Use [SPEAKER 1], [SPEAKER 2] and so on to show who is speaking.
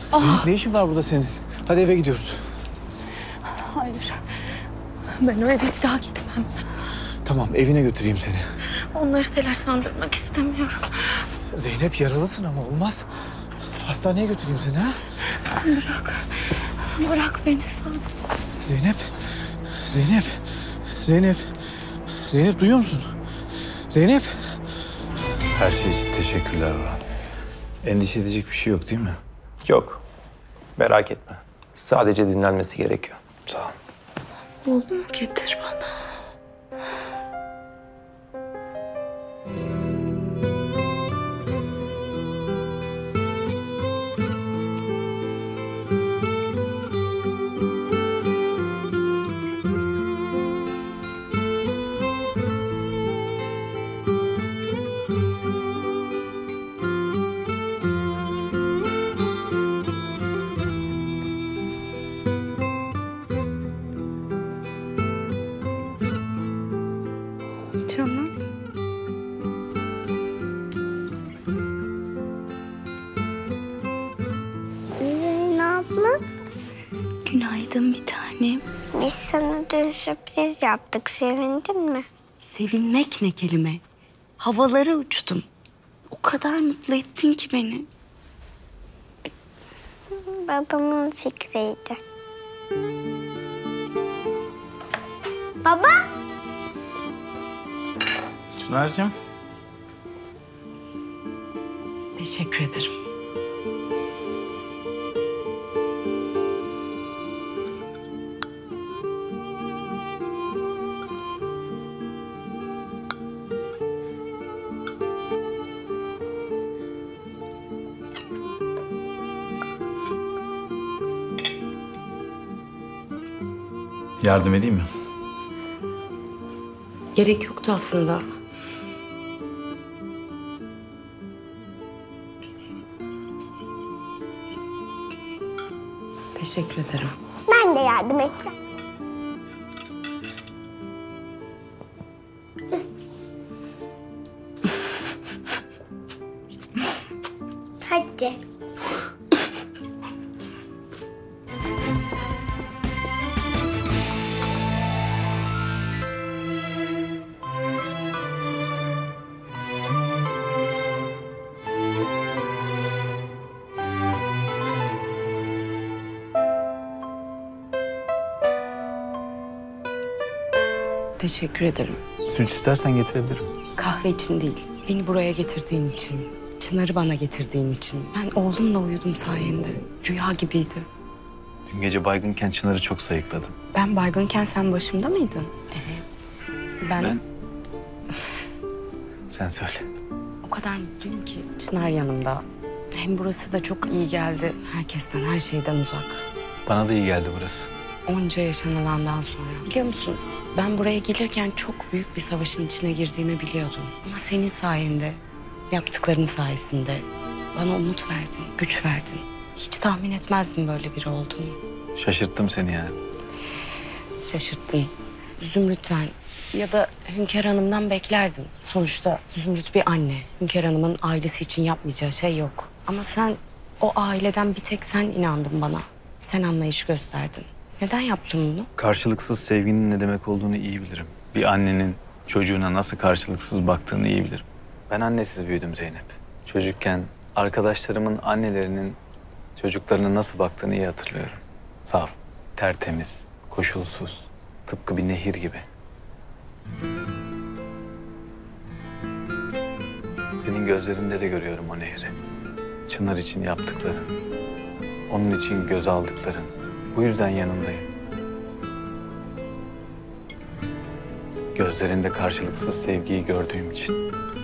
[SPEAKER 1] Zeynep, ne işin var burada senin? Hadi eve gidiyoruz.
[SPEAKER 2] Hayır. Ben o eve bir daha gitmem.
[SPEAKER 1] Tamam, evine götüreyim seni.
[SPEAKER 2] Onları telaşlandırmak istemiyorum.
[SPEAKER 1] Zeynep, yaralısın ama olmaz. Hastaneye götüreyim seni, ha?
[SPEAKER 2] Bırak. Bırak beni sen.
[SPEAKER 1] Zeynep. Zeynep. Zeynep. Zeynep, duyuyor musun? Zeynep. Her şey için teşekkürler Orhan. Endişe edecek bir şey yok değil mi?
[SPEAKER 3] Yok. Merak etme. Sadece dinlenmesi gerekiyor.
[SPEAKER 1] Sağ ol.
[SPEAKER 2] Oğlumu getir bana. Canım.
[SPEAKER 4] Zeynep abla,
[SPEAKER 2] Günaydın bir tanem.
[SPEAKER 4] biz sana dün sürpriz yaptık. Sevindin mi?
[SPEAKER 2] Sevinmek ne kelime? Havalara uçtum. O kadar mutlu ettin ki beni.
[SPEAKER 4] Babamın fikriydi. Baba!
[SPEAKER 1] Çınar'cığım.
[SPEAKER 2] Teşekkür ederim.
[SPEAKER 1] Yardım edeyim mi?
[SPEAKER 2] Gerek yoktu aslında. Teşekkür ederim.
[SPEAKER 4] Ben de yardım edeceğim. Hadi.
[SPEAKER 2] Teşekkür ederim.
[SPEAKER 1] Süt istersen getirebilirim.
[SPEAKER 2] Kahve için değil, beni buraya getirdiğin için, Çınar'ı bana getirdiğin için. Ben oğlumla uyudum sayende. Rüya gibiydi.
[SPEAKER 1] Dün gece baygınken Çınar'ı çok sayıkladım.
[SPEAKER 2] Ben baygınken sen başımda mıydın? Ben
[SPEAKER 1] Sen söyle.
[SPEAKER 2] o kadar mutluyum ki Çınar yanımda. Hem burası da çok iyi geldi. Herkesten, her şeyden uzak.
[SPEAKER 1] Bana da iyi geldi burası.
[SPEAKER 2] Onca yaşanılandan sonra. Biliyor musun? Ben buraya gelirken çok büyük bir savaşın içine girdiğimi biliyordum. Ama senin sayende, yaptıkların sayesinde bana umut verdin, güç verdin. Hiç tahmin etmezdim böyle biri olduğunu.
[SPEAKER 1] Şaşırttım seni yani.
[SPEAKER 2] Şaşırttın. Zümrüt'ten ya da Hünkar Hanım'dan beklerdim. Sonuçta Zümrüt bir anne. Hünkar Hanım'ın ailesi için yapmayacağı şey yok. Ama sen, o aileden bir tek sen inandın bana. Sen anlayış gösterdin. Neden yaptın bunu?
[SPEAKER 1] Karşılıksız sevginin ne demek olduğunu iyi bilirim. Bir annenin çocuğuna nasıl karşılıksız baktığını iyi bilirim. Ben annesiz büyüdüm Zeynep. Çocukken arkadaşlarımın annelerinin çocuklarına nasıl baktığını iyi hatırlıyorum. Saf, tertemiz, koşulsuz, tıpkı bir nehir gibi. Senin gözlerinde de görüyorum o nehri. Çınar için yaptıkların, onun için göz aldıkların. Bu yüzden yanındayım. Gözlerinde karşılıksız sevgiyi gördüğüm için.